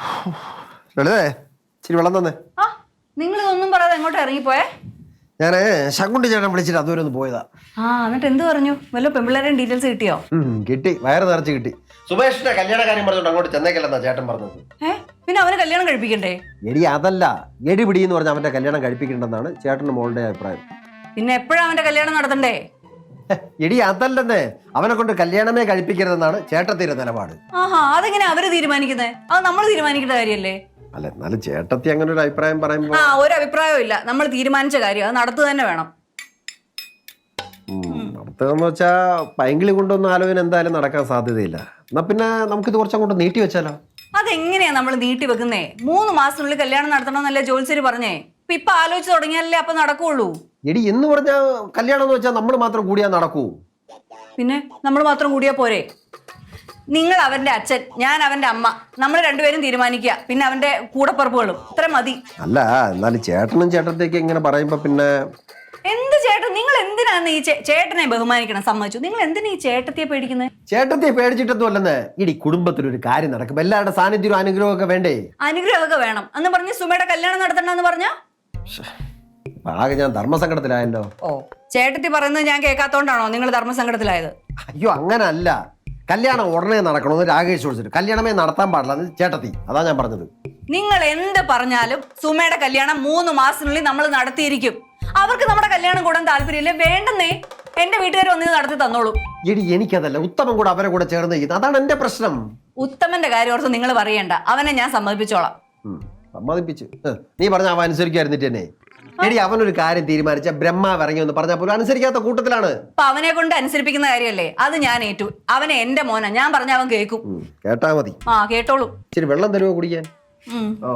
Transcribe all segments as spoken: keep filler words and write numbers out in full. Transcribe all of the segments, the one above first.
ലളിതേ ഇച്ചിരി വെള്ളം തന്നെ. ആ നിങ്ങൾ ഇതൊന്നും പറയാതെ എങ്ങോട്ട് ഇറങ്ങിപ്പോയേ? ഞാന് ശങ്കുണ്ടി ചേട്ടൻ വിളിച്ചിട്ട് അതുവരെ ഒന്ന് പോയതാ. ആ എന്നിട്ട് എന്ത് പറഞ്ഞു? വല്ല പെമ്പിള്ളേരുടെ ഡീറ്റെയിൽസ് കിട്ടിയോ? കിട്ടി, വയറ് നിറച്ച് കിട്ടി. സുമേഷിന്റെ കല്യാണ കാര്യം പറഞ്ഞോണ്ട് അങ്ങോട്ട് ചെന്നേക്കല്ലെന്നാ ചേട്ടൻ പറഞ്ഞത്. ഏ പിന്നെ അവന് കല്യാണം കഴിപ്പിക്കണ്ടേ? എടി അതല്ല, എടി പിടി എന്ന് പറഞ്ഞ അവന്റെ കല്യാണം കഴിപ്പിക്കണ്ടെന്നാണ് ചേട്ടന്റെ മോളുടെ അഭിപ്രായം. പിന്നെ എപ്പോഴാ അവന്റെ കല്യാണം നടത്തണ്ടേ? എടി അതല്ലെന്നേ, അവനെ കൊണ്ട് കല്യാണമേ കഴിപ്പിക്കരുതെന്നാണ് ചേട്ടത്തിന്റെ നിലപാട്. ആഹാ, അതെങ്ങനെ അവര് തീരുമാനിക്കുന്നത്? അത് നമ്മൾ തീരുമാനിക്കേണ്ട കാര്യല്ലേ? അല്ല, എന്നാലും ചേട്ടത്തി അങ്ങനെ ഒരു അഭിപ്രായം പറയുമ്പോ. ആ ഒരു അഭിപ്രായവും ഇല്ല, നമ്മൾ തീരുമാനിച്ച കാര്യം അത് നടത്തുക തന്നെ വേണം. നടത്തുകയെന്ന് വെച്ചാ പൈങ്കിളി കൊണ്ടൊന്നും ആലോചന എന്തായാലും നടക്കാൻ സാധ്യതയില്ല. എന്നാ പിന്നെ നമുക്കിത് കുറച്ചങ്ങോട്ട് നീട്ടി വെച്ചാലോ? അതെങ്ങനെയാ നമ്മൾ നീട്ടി വെക്കുന്നേ? മൂന്ന് മാസത്തിനുള്ളിൽ കല്യാണം നടത്തണമെന്നല്ലേ ജോത്സ്യര് പറഞ്ഞേ. ഇപ്പൊ ഇപ്പൊ ആലോചിച്ച് തുടങ്ങിയാലേ അപ്പൊ നടക്കുള്ളൂ. എടി എന്ന് പറഞ്ഞാ കല്യാണം എന്ന് വെച്ചാൽ നമ്മൾ മാത്രം കൂടിയാ നടക്കൂ? പിന്നെ നമ്മൾ മാത്രം കൂടിയാ പോരെ? നിങ്ങൾ അവന്റെ അച്ഛൻ, ഞാൻ അവന്റെ അമ്മ, നമ്മൾ രണ്ടുപേരും തീരുമാനിക്കുക, പിന്നെ അവന്റെ കൂടപ്പറപ്പുകളും, ഇത്ര മതി. അല്ല, എന്നാലും ചേട്ടനും ചേട്ടത്തേക്ക് ഇങ്ങനെ പറയുമ്പോ പിന്നെ എന്ത് ചേട്ടൻ? നിങ്ങൾ എന്തിനാന്ന് ഈ ചേട്ടനെ ബഹുമാനിക്കണം? സമ്മതിച്ചു. നിങ്ങൾ എന്തിനാ ഈ ചേട്ടത്തിയെ പേടിക്കുന്നത്? ചേട്ടത്തിയെ പേടിച്ചിട്ടൊന്നും അല്ലെന്ന്. ഇടി കുടുംബത്തിലൊരു കാര്യം നടക്കും, എല്ലാവരുടെ സാന്നിധ്യവും അനുഗ്രഹവും ഒക്കെ വേണ്ടേ? അനുഗ്രഹമൊക്കെ വേണം എന്ന് പറഞ്ഞ് സുമയുടെ കല്യാണം നടത്തണ്ടെന്ന് പറഞ്ഞ ആകെ ഞാൻ ധർമ്മസങ്കടത്തിലായല്ലോ. ഓ, ചേട്ടത്തി പറയുന്നത് ഞാൻ കേൾക്കാത്തോണ്ടാണോ നിങ്ങൾ ധർമ്മസങ്കടത്തിലായത്? അയ്യോ അങ്ങനല്ല, കല്യാണം ഉടനെ നടക്കണമെന്ന് രാകേഷ് വിളിച്ചിട്ട് കല്യാണമേ നടത്താൻ പാടില്ല ചേട്ടത്തി, അതാ ഞാൻ പറഞ്ഞത്. നിങ്ങൾ എന്ത് പറഞ്ഞാലും സുമയുടെ കല്യാണം മൂന്ന് മാസത്തിനുള്ളിൽ നമ്മൾ നടത്തിയിരിക്കും. അവർക്ക് നമ്മുടെ കല്യാണം കൂടാൻ താല്പര്യമില്ല, വേണ്ടെന്നേ. എന്റെ വീട്ടുകാർ ഒന്നിന് നടത്തി തന്നോളൂ. എടി എനിക്കതല്ല, ഉത്തമൻ കൂടെ അവരെ കൂടെ ചേർന്ന് ചെയ്യുന്നത്, അതാണ് എന്റെ പ്രശ്നം. ഉത്തമന്റെ കാര്യം ഓർത്ത് നിങ്ങൾ പറയണ്ട, അവനെ ഞാൻ സമ്മതിപ്പിച്ചോളാം. സമ്മതിപ്പിച്ച് നീ പറഞ്ഞ അവൻ അനുസരിക്കായിരുന്നിട്ട് തന്നെ. എടി അവനൊരു കാര്യം തീരുമാനിച്ച ബ്രഹ്മാവ് ഇറങ്ങി എന്ന് പറഞ്ഞാൽ പോലും അനുസരിക്കാത്ത കൂട്ടത്തിലാണ്. അപ്പൊ അവനെ കൊണ്ട് അനുസരിപ്പിക്കുന്ന കാര്യമല്ലേ, അത് ഞാൻ ഏറ്റു. അവനെ എന്റെ മോനാ, ഞാൻ പറഞ്ഞ അവൻ കേൾക്കും. കേട്ടാ മതി. ആ കേട്ടോളൂ. ഇച്ചിരി വെള്ളം തരുമോ കുടിക്കാൻ? ഓ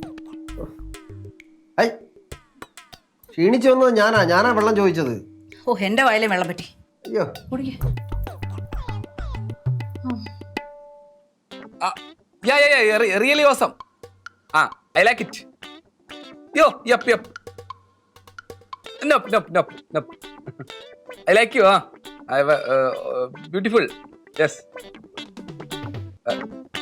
ഐ ക്ഷീണിച്ചു വന്നത് ഞാനാ ഞാനാ വെള്ളം ചോദിച്ചത്. ഓ എന്റെ വയലേ വെള്ളം പറ്റി. അയ്യോ കുടിക്കേ. Yeah, yeah, yeah, really awesome. Ah, I like it. Yo, yup, yup. Nope, nope, nope, nope. I like you, huh? I have a uh, uh, beautiful. Yes. Uh.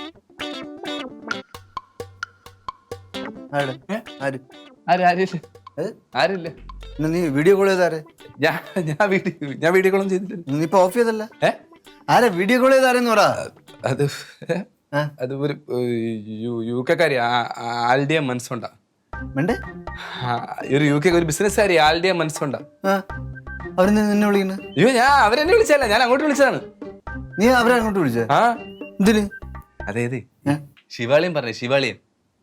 ആര് ആര് ആര് ആരില്ല ആരില്ല. നീ വീഡിയോ കോൾ ചെയ്താരെ? ഞാൻ ഞാൻ വീഡിയോ ഞാൻ video കോളും ചെയ്തിട്ടില്ല. നീ ഇപ്പൊ ഓഫ് ചെയ്തല്ല? ഏ ആരെ വീഡിയോ കോൾ ചെയ്താരെന്ന് പറ. അത് അത് ഒരു യു കെക്കാരി ആൽഡിയ മനസ്സുണ്ടാ. ഒരു യു കെ ഒരു ബിസിനസ്സുകാരി ആൽഡിയ മനസ്സുണ്ടാ. അവരെന്താ നിന്നെ വിളിക്കുന്നത്? അയ്യോ ഞാൻ അവരെന്നെ വിളിച്ചല്ല, ഞാൻ അങ്ങോട്ട് വിളിച്ചതാണ്. നീ അവരെ അങ്ങോട്ട് വിളിച്ചേ? ആ എന്തിന്? അതേത് ശിവാളിയും പറഞ്ഞേ, ശിവാളിയും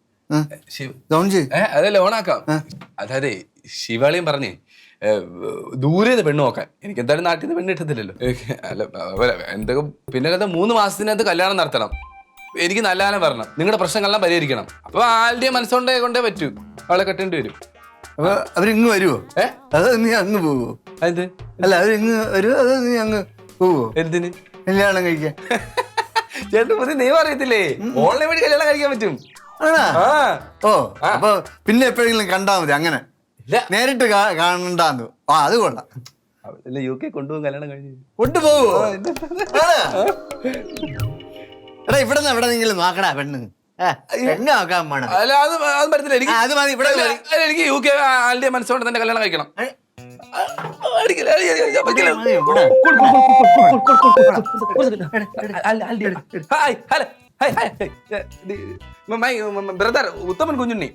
അതല്ല ഓണാക്കാം. അതായത് ശിവാളിയും പറഞ്ഞേ ദൂരെ പെണ്ണ് നോക്കാൻ. എനിക്ക് എന്തായാലും നാട്ടിൽ നിന്ന് പെണ്ണ് കിട്ടത്തില്ലല്ലോ. അല്ല എന്തൊക്കെ പിന്നെ കഥ മൂന്ന് മാസത്തിനകത്ത് കല്യാണം നടത്തണം, എനിക്ക് നല്ല കാലം വരണം, നിങ്ങളുടെ പ്രശ്നങ്ങളെല്ലാം പരിഹരിക്കണം. അപ്പൊ ആളുടെ മനസ്സുകൊണ്ടേ കൊണ്ടേ പറ്റൂ, അവളെ കെട്ടേണ്ടി വരും. അപ്പൊ അവരിങ്ങ് വരുവോ? ഏ അതോ നീ അങ്ങ് പോവോ? എന്ത്? അല്ല അവരിങ്ങ് വരുവോ അതോ നീ അങ്ങ് പോവോ? എന്തിന്? കല്യാണം കഴിക്കാൻ. ചേട്ടൻ പുതിയ നിയമം അറിയത്തില്ലേ, ഓൺലൈൻ വഴി കല്യാണം കഴിക്കാൻ പറ്റും. ആണോ? ഓ അപ്പൊ പിന്നെ എപ്പോഴെങ്കിലും കണ്ടാ മതി, അങ്ങനെ നേരിട്ട് കാണണ്ടാന്ന്. ആ അത് കൊള്ളാം. യു കെ കൊണ്ടുപോകും, കല്യാണം കഴിഞ്ഞ് കൊണ്ടുപോവോ? എടാ ഇവിടെ നിന്ന് എവിടെ നിങ്ങളും നോക്കടാ പെണ്ണ് പെണ്ണ് നോക്കാൻ വേണം. അല്ല അത് അത് പറ്റത്തില്ല എനിക്ക്. അത് മതി, ഇവിടെ എനിക്ക് യു കെ ആളുടെ മനസ്സോടെ തന്നെ കല്യാണം കഴിക്കണം. Brother Uthaman Kunjunni,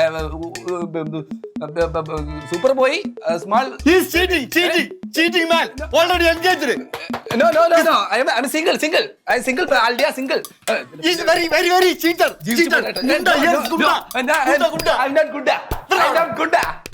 super boy, small. He's cheating, cheating, cheating man. Already engaged. No, no, no, no. I am I'm single, single. I am single. Aldia single. He's very, very, very cheater. Cheater. No, no, no. I'm not Gunda. I'm not Gunda.